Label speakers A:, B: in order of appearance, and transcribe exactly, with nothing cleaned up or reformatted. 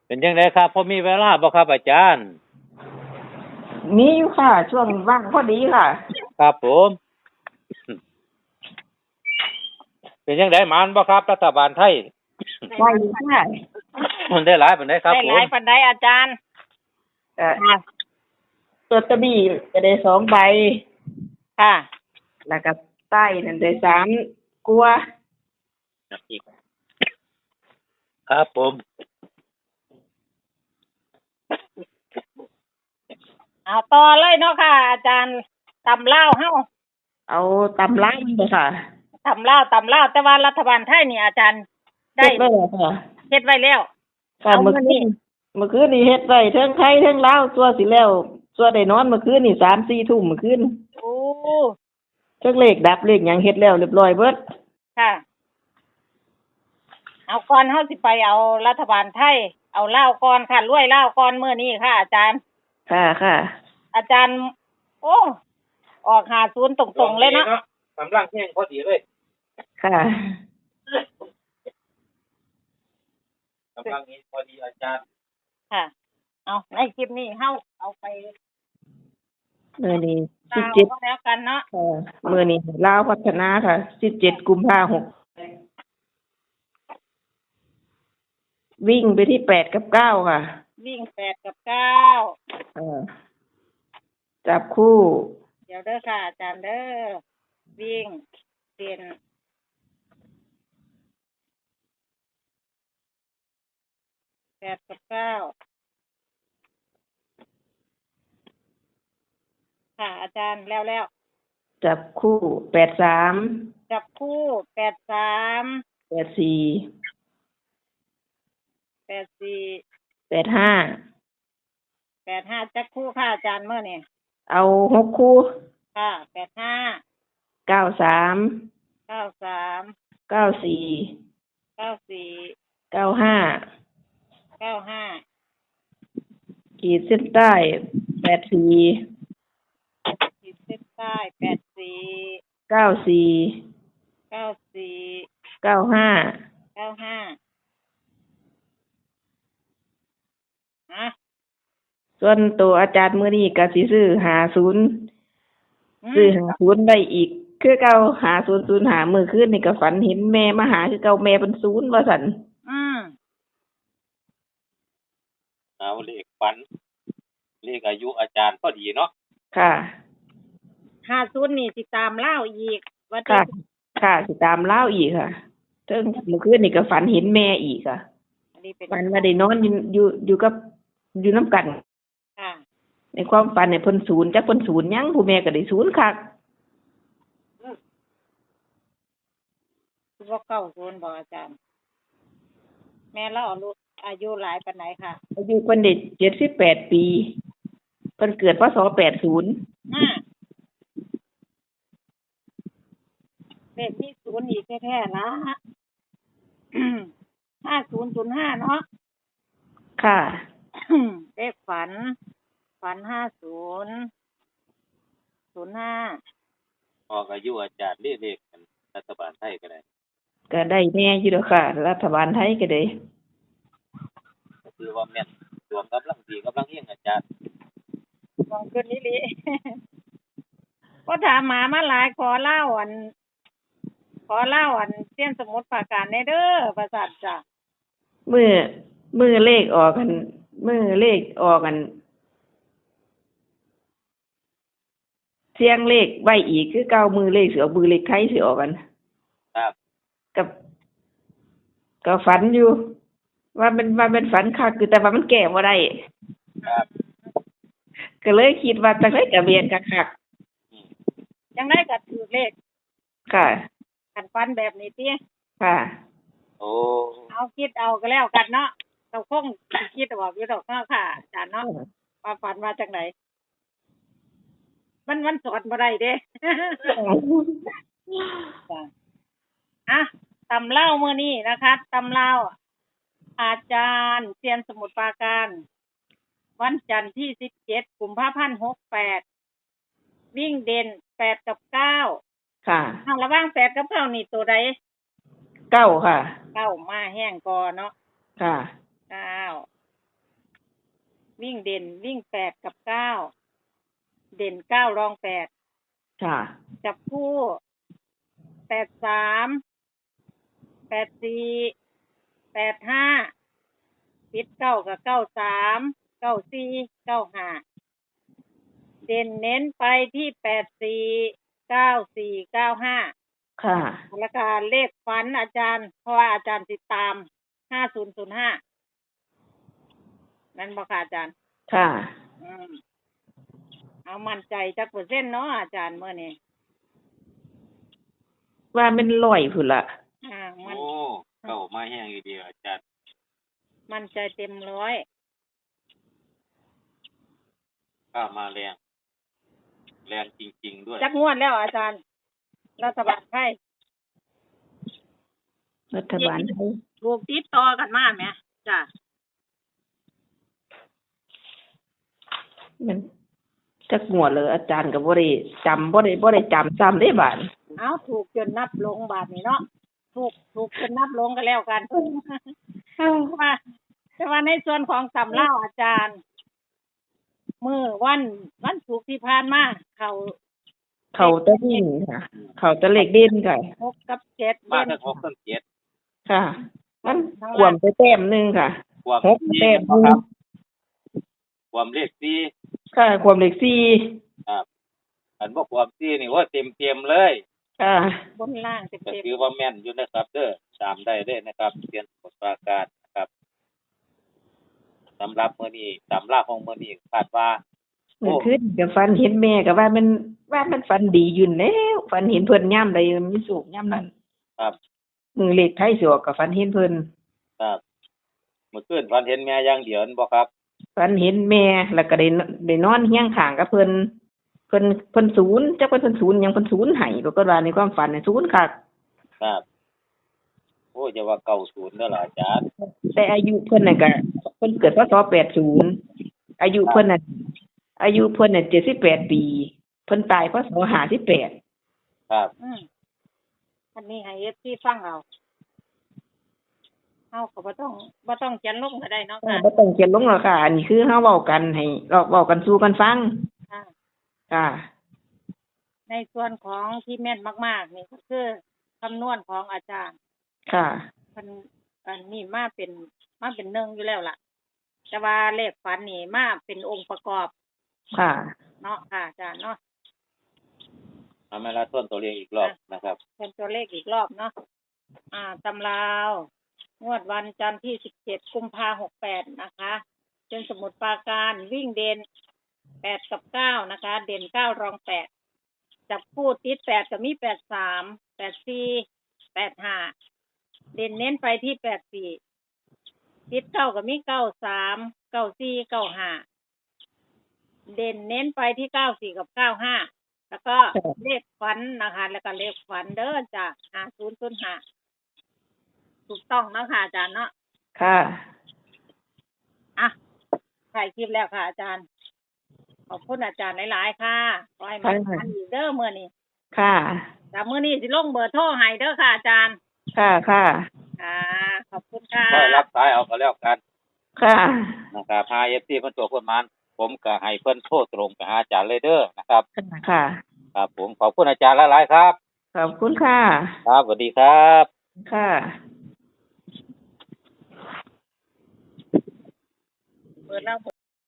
A: เป็นจังไดครับพอมีเวลาบ่ครับอาจารย์
B: มีอยู่ค่ะ ช่วงว่างพอดีค่ะ
A: ครับผมเป็นจังไดหมานบ่ครับรัฐบาลไทย
B: ได้อยู่ค่ะ
A: มันได้หลายปานใดครับ
C: ได้หลาย
A: ผม
C: ปานใดอาจารย์
B: เอ่อ
C: ค่ะ
B: ลอตเตอรี่ก็ได้สองใบ
C: ค่ะ
B: แล้วก็ใต้นั่นได้สามกลัวา
A: ครับผม
C: เอาต่อเลยเนาะค่ะ อาจารย์ตำเล่าวเฮา
B: เอาตำล้างบ่ค่ะ
C: ตำเล่าวตำเล่าวแต่ว่ารัฐบาลไทยนี่อาจารย์ได้
B: เฮ็ดไว้แล้วค่ะ
C: เฮ็ดไว้แล้ว
B: ค่ะ
C: เอา
B: เมื่อ
C: มื้อ
B: คื
C: นี้
B: นเมื่อคืนนี่เฮ็ดไว้เทิงไทยเทิงลาวตัวสิแล้วตัวได้นอนเมื่อคืนนี่สามสี่ทุ่มเมื่อคืน
C: โอ้
B: เทิงเลขดับเลขหยังเฮ็ดแล้วเรียบร้อยเบิด
C: ค่ะ เอาก่อนเฮาสิไปเอารัฐบาลไทย เอาเล่าวก่อนค่ะรวยเล่าวก่อนมื้อนี้ค่ะ อาจารย์
B: ค่ะค่ะ
C: อาจารย์ โอ้ออกห้าสิบตรงๆเลยเนาะ
A: กำลังแห้งพอดีเลย
B: ค่ะ
A: กำลังนี้พอดีอาจารย์
C: ค่ะ เอาในคลิปนี้เฮาเอาไป
B: มื้อนี้
C: ลาว
B: สิบเจ็ด
C: ก็แล้วกันเนาะ
B: ค่ะมื้อนี้ลาวพัฒนาค่ะสิบเจ็ดกุมภาพันธ์หกวิ่งไปที่แปดกับเก้าค่ะ
C: วิ่งแปดกับเก้า
B: เออจับคู่
C: เดี๋ยวเด้อค่ะอาจารย์เด้อวิ่งเป็นแปดกับเก้าค่ะอาจารย์แล้วแล้ว
B: จับคู่แปดสาม
C: จับคู่แปดสาม
B: แปดสี่
C: แปดสี่
B: แปดห้า
C: แปดห้าจับคู่ค่ะอาจารย์เมื่อนี่
B: เอาหกคู่
C: ค่ะแปดห้า
B: เก้าสาม
C: เก้าสาม
B: เก้าสี่
C: เก้าสี่
B: เก้าห้า
C: เก้าห้า
B: ขีดเส้นใต้แปดสี่
C: ขีดเส้นใต้แปดสี่
B: เก้าสี่
C: เก้าสี่
B: เก้าห้า
C: เก้าห้าอ่ะ
B: ส่วนตัวอาจารย์มื้อนี้ก็สิซื้อหาศูนย์
C: อื
B: ซื้อ
C: ม
B: หาศูนย์ได้อีก คือเก่าหาศูนย์ศูนย์หามื้อคืนนี่ก็ฝันเห็นแม่มาหาคือเก่าแม่เป็นศูนย์ว่าซั่น
C: อืม
A: เอาเลขฝันเลขอายุอาจารย์พอดีเนาะ
B: ค่ะ
C: ห้าศูนย์นี่สิตามเล่าอีกว่า
B: ค่ะ
C: จะ
B: ค่ะสิตามเล่าวอีกค่ะเทิงเมื่อคืนนี่ก็ฝันเห็นแม่อีกค่ะ
C: อันนี้เป็น
B: ฝันว่าได้นอนอยู่อยู่อยู่กับอยู่น้ำกัน
C: ค่ะ
B: ในความฝันเนี่ยเพิ่นศูนย์จักเพิ่นศูนย์หยังผู้แม่ก็ได้ศูนย์คัก
C: คือว่าเก้าศูนย์บอกอาจารย์ แม่เราอายุอายุหลายปานไหนค่ะ
B: อายุเพิ่นได้เจ็ดสิบแปดปีเพิ่นเกิดพศแปดสิบ
C: ห้าเลขที่ศูนย์อีกแท้ๆนะ ห้าศูนย์ศูนย์ห้าเนาะ
B: ค่ะ
C: เลขฝัน ฝันห้าศูนย์ศูนย์ห้า
A: ออกอายุอาจารย์เลขเลขกันรัฐบาลไทยก็ได้
B: ก็ได้แน่อยู่แล้วค่ะ รัฐบาลไทยก็ได้
A: ก็คือว่าแม่นดวงกำลังดีกำลังเฮียงอาจารย์
C: มองขึ้นนี่ลิ ก็ถามหมามาหลายขอเล่าอัน ขอเล่าอันเส้นสมุดปราการในเด้อประสาทจ้ะ
B: มือมือเลขออกกันมือเลขออกกันเสียงเลขไว้อีกคือเก้ามือเลขสิออกมือเลขไทยสิออกกัน
A: ครับ
B: กับก็ฝันอยู่ ว่ามันว่ามันฝันคักคือแต่ว่ามันแก้บ่ได้
A: ครับ
B: ก็เลยคิดว่าจังได๋ก็เบียนคัก
C: ยังได้ก็ถือเลข
B: ๆค่ะ
C: กันฟันแบบนี้ติ
B: ค่ะ
A: โอ้
C: เอาคิดเอาก็แล้วกันเนาะเราคงสิคิดออกอยู่ดอกเนาะค่ะอาจารย์เนาะว่าฝันว่าจังไดมันมันสอนบ่ได้เด้ จ้ะอ่ะตำเล่ามื้อนี้นะคะตำเล่าอาจารย์เซียนสมุทรปราการ วันจันทร์ที่สิบเจ็ดกุมภาพันธ์หกแปดวิ่งเด่นแปดกับเก้า
B: ค่ะ
C: ทางระหว่างแปดกับเก้านี่ตัวใด
B: เก้าค่ะ
C: เก้ามาแห้งก่อนเนาะ
B: ค่ะ
C: เก้าวิ่งเด่นวิ่งแปดกับเก้าเด่นเก้ารองแปด
B: ค่ะ
C: จับคู่แปดสามแปดสี่แปดห้าปิดเก้ากับเก้าสามเก้าสี่เก้าห้าเด่นเน้นไปที่แปดสี่เก้าสี่เก้าห้า
B: ค่ะ
C: แล้วก็เลขฝันอาจารย์เพราะว่าอาจารย์ติดตามห้าศูนย์ศูนย์ห้านั่นบ่ค่ะอาจารย์
B: ค่ะ
C: อืมเอามั่นใจจักเปอร์เซ็นต์เนาะอาจารย์เมื่อนี้
B: ว่ามันร้อยพุ่นละ
C: อ่ามัน
A: โอ้เก่ามาแห้งอีเดียวอาจารย์
C: มั่นใจเต็มร้อย
A: ข้ามาแรงแรงจริงๆด้วย
C: จักงวดแล้วอาจารย์ รัฐบาลไทย
B: รัฐบาลไทย
C: ถูกติดต่อกันมาไหมจ้ะ
B: มันจักหัวเลยอาจารย์ก็บ่ได้จำบ่ได้บ่ได้จำซ้ำได้บาด
C: เอาถูกจนนับลงบาทนี้เนาะถูกถูกจนนับลงกันแล้วกันว่าแต่ว่าในส่วนของตำเล่าอาจารย์มือวันวันศุกร์ที่ผ่านมาเขา
B: เขาจะวิ่งค่ะ เขาจะเลขเด่นค่ะ
C: หกกับเจ็ด
A: มา
C: เด่น
A: ทั้งหกทั้งเจ็ด
B: ค่ะ มันขวมไปแต้มหนึงค่ะ
A: ความ
B: หก
A: สี่
B: แต้มห
A: นะ
B: นึ
A: ครั
B: ง
A: บความเลขสี่
B: ค่ะความเลขสี่
A: ครับอันบอกความสี่นี่ว่าเต็มเต็มๆเลย
B: ค่ะ
C: บนล่างเต็ม
A: ก็
C: เต็ม
A: ถือว่าแม่นอยู่นะครับเด้อตามได้เลยนะครับเรียนบทปราการนะครับสำหรับมื้อนี้ตำราของมื้อนี้คาดว่า
B: เมื่อคืนก็ฝันเห็นแม่ก็ว่ามันว่ามันฝันดีอยู่แล้วฝันเห็นเพิ่นย่ำใดมีสุขย่ำนั้น
A: ครับ
B: มือเลขไทยสิออกก็ฝันเห็นเพิ่น
A: ครับเมื่อคืนฝันเห็นแม่อย่างเดียวนั่นบ่ครับ
B: ฝันเห็นแม่แล้วก็ได้นได้นอนเฮียงข้างกับเพิ่นเพิ่นเพิ่นศูนย์จักว่าเพิ่นศูนย์หยังเพิ่นศูนย์ให้ปรากฏว่าในความฝันน่ะศูนย์คัก
A: ครับโอ้จะว่าเก้าศูนย์เด้อล่ะอาจารย์
B: แต่อายุเพิ่นน่ะก็เพิ่นเกิดพศแปดสิบอายุเพิ่นน่ะอายุเพิ่นน่ะเจ็ดสิบแปดปีเพิ่นตายพศห้าสิบแปด
A: ครับ
C: อืมอันนี้ให้เอฟซีฟังเอาเอาก็บ่ต้องบ่ต้องเขียนลงก็ได้เนาะ
B: อ่า
C: ค่ะ
B: บ่ต้องเขียนลงหรอกค่ะ อันนี้คือเฮาเว้ากันให้เราเว้ากันสู่กันฟัง
C: ค่ะ
B: ค่ะ
C: ในส่วนของที่แม่นมากๆนี่ก็คือคำนวณของอาจารย์
B: ค่ะ
C: มันอันนี้มาเป็นมาเป็นหนึ่งอยู่แล้วล่ะ แต่ว่าเลขฝันนี่มาเป็นองค์ประกอบ
B: ค่ะ
C: เนาะค่ะอาจารย์เนาะ
A: ทำให้ละต้นตัวเลขอีกรอบนะครับ
C: เป็นตัวเลขอีกรอบเนาะอ่าตำราวงวดวันจันทร์ที่สิบเจ็ดกุมภาหกแปดนะคะเป็นสมุดปราการวิ่งเด่นแปดกับเก้านะคะ เด่นเก้ารองแปดจับคู่ติดแปดก็มีแปดสามแปดสี่แปดห้าเด่นเน้นไปที่แปดสี่ติดเก้าก็มีเก้าสามเก้าสี่เก้าห้าเด่นเน้นไปที่เก้าสี่กับเก้าห้าแล้วก็เลขฝันนะคะ แล้วก็เลขฝันเด้อจ้ะห้าศูนย์ศูนย์ห้าถูกต้องเนาะค่ะอาจารย์เนาะ
B: ค่ะ
C: อ่ะถ่ายคลิปแล้วค่ะอาจารย์ ขอบคุณอาจารย์หลายๆค่ะขอให้มันทันอีกเด้อมื้อนี้
B: ค่ะ
C: แต่มื้อนี้สิลงเบอร์โทรให้เด้อค่ะอาจารย์
B: ค่ะค่ะ
C: ค่ะ ขอบคุณค่ะ
A: ก็รับสายเอาก็แล้วกัน
B: ค่ะ
A: นะครับหา เอฟ ซี เพิ่นตัวเพิ่นมันผมก็ให้เพิ่นโทรตรงไปหาอาจารย์เลยเด้อนะครับ
B: ค่ะ
A: ครับผมขอบคุณอาจารย์หลายๆครับ
B: ขอบคุณค่ะ
A: ครับสวัสดีครับ
B: ค่ะ
C: เปิดแล้ว